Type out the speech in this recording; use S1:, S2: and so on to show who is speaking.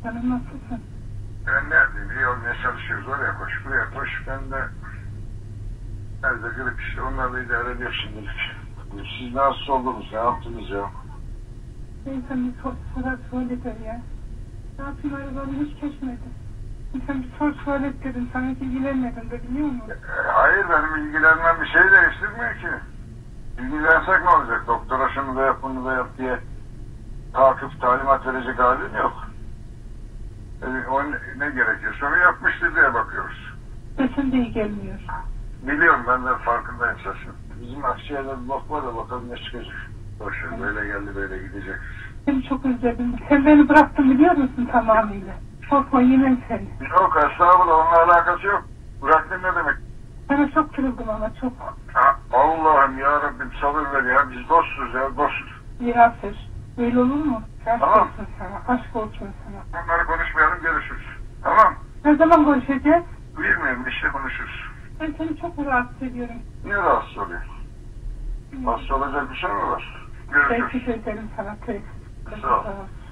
S1: Canım nasılsın?
S2: Ben neredeyim? İyi olmaya çalışıyoruz. Oraya koş, buraya koş. Ben de nerede grip işte. Onlarla idare ediyor şimdilik. Siz nasıl oldunuz? Ne yaptınız ya?
S1: İnsan bir sorar söyledir ya. Ne yapayım arabanı hiç geçmedi. İnsan bir sorar dedim. Sana hiç ilgilenmedim de biliyor musun?
S2: Hayır, benim ilgilenmem bir şey değiştirmiyor ki. İlgilensek ne olacak? Doktora şunu da yap, bunu da yap diye takip, talimat verecek halin yok. O ne gerekiyorsa onu yapmıştır diye bakıyoruz.
S1: Sesin de iyi gelmiyor.
S2: Biliyorum, ben de farkındayım sesin. Bizim akciğerde bir bak var da bakalım ne çıkacak. Boşver, böyle geldi böyle gidecek.
S1: Seni çok özledim. Sen beni bıraktın biliyor musun tamamıyla? Korkma yemem seni.
S2: Yok, estağfurullah, onunla alakası yok. Bıraktın ne demek?
S1: Sana çok kırıldım ama çok.
S2: Ha, Allah'ım ya Rabbim sabır ver ya, biz dostuz ya, dost.
S1: Yaser. Öyle olur mu? Aşk
S2: Tamam.
S1: olsun sana. Aşk olsun sana.
S2: Onları konuşmayalım, görüşürüz. Tamam.
S1: Ne zaman görüşeceğiz?
S2: Bilmiyorum, işte konuşuruz.
S1: Ben seni çok rahatsız ediyorum.
S2: Niye rahatsız oluyor? Hasta olacak bir şey mi var? Görüşürüz.
S1: Teşekkür ederim sana.
S2: Sağ ol.
S1: Sağ ol.